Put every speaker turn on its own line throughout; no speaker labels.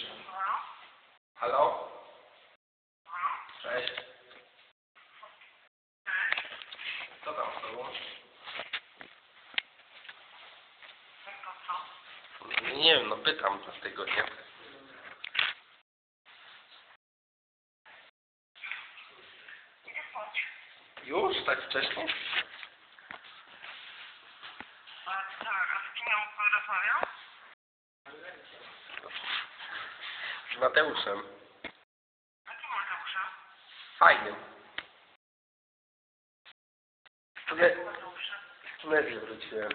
już. Halo? Cześć. Co tam z tobą? Nie wiem, no pytam dlatego, nie? Już? Tak wcześnie?
A z kim ja pan rozmawiał?
Z Mateuszem.
Jakim Mateuszem?
Fajnym.
Jakim Mateuszem?
Z Tunezji wróciłem.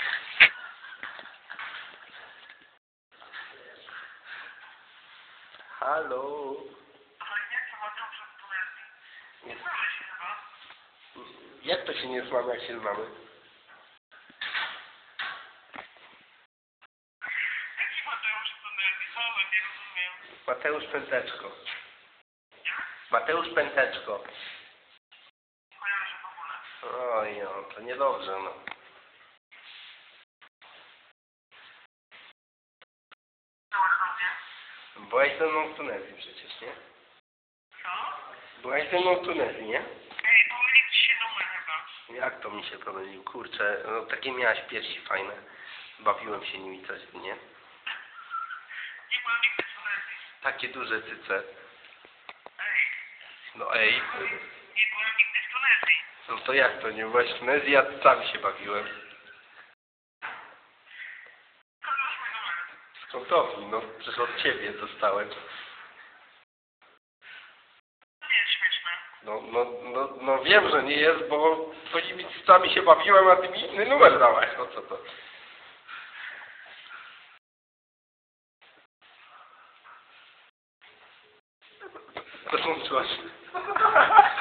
Halo?
Ale jaki Mateusz z Tunezji? Nie znamy się chyba.
Jak to się nie znamy, jak się znamy?
Jaki Mateusz z Tunezji? Halo, nie rozumiem.
Mateusz Pęteczko.
Jak?
Mateusz Pęteczko.
Nie kojarzę w ogóle.
Oj, no, to niedobrze, no.
Byłaś do mnie?
Byłaś ze mną w Tunezji przecież, nie?
Co?
Byłaś ze mną w Tunezji, nie?
Ej, pomylił ci się numer chyba.
Jak to mi się pomylił? Kurczę, no takie miałaś piersi fajne. Bawiłem się nimi coś, nie?
Nie byłem nigdy w Tunezji.
Takie duże cyce.
Ej,
No ej.
nie byłem nigdy w Tunezji.
No to jak to nie byłaś w Tunezji? Ja sam się bawiłem.
Skąd masz mój numer?
Skąd to? No przecież od ciebie dostałem.
To nie jest śmieszne.
No wiem, że nie jest, bo twoimi cycami się bawiłem, a ty mi inny numer dałaś. No co to? Rozłączyłaś.